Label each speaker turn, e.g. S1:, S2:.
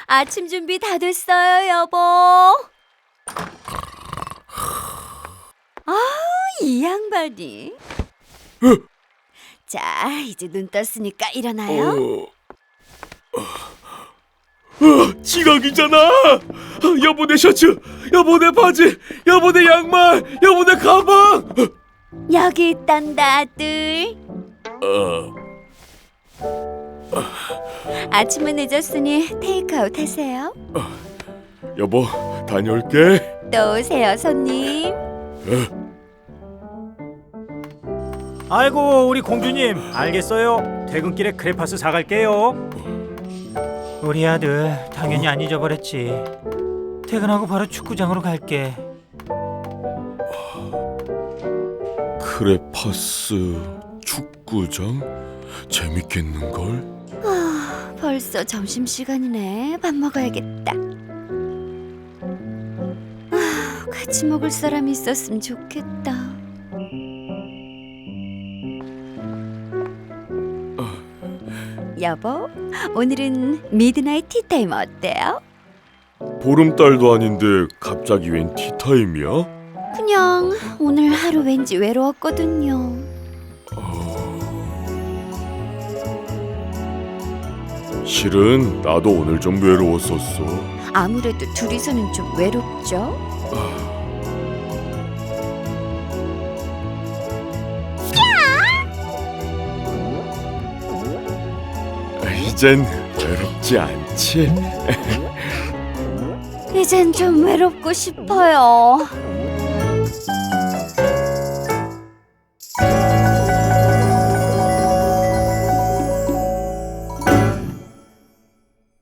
S1: 아침 준비 다 됐어요, 여보. 이 양반이. 자, 이제 눈 떴으니까 일어나요.
S2: 지각이잖아. 여보 내 셔츠, 여보 내 바지, 여보 내 양말, 여보 내 가방.
S1: 여기 있단다, 아들. 아침은 늦었으니 테이크아웃 하세요.
S2: 여보 다녀올게.
S1: 또 오세요, 손님.
S3: 아이고 우리 공주님 알겠어요. 퇴근길에 크레파스 사갈게요. 우리 아들 당연히 안 잊어버렸지. 퇴근하고 바로 축구장으로 갈게.
S2: 크레파스 축구장 재밌겠는걸?
S1: 벌써 점심시간이네. 밥 먹어야겠다. 같이 먹을 사람이 있었으면 좋겠다. 여보, 오늘은 미드나잇 티타임 어때요?
S2: 보름달도 아닌데 갑자기 웬 티타임이야?
S1: 그냥 오늘 하루 왠지 외로웠거든요.
S2: 실은 나도 오늘 좀 외로웠었어.
S1: 아무래도 둘이서는 좀 외롭죠?
S2: 이젠 외롭지 않지?
S1: 이젠 좀 외롭고 싶어요.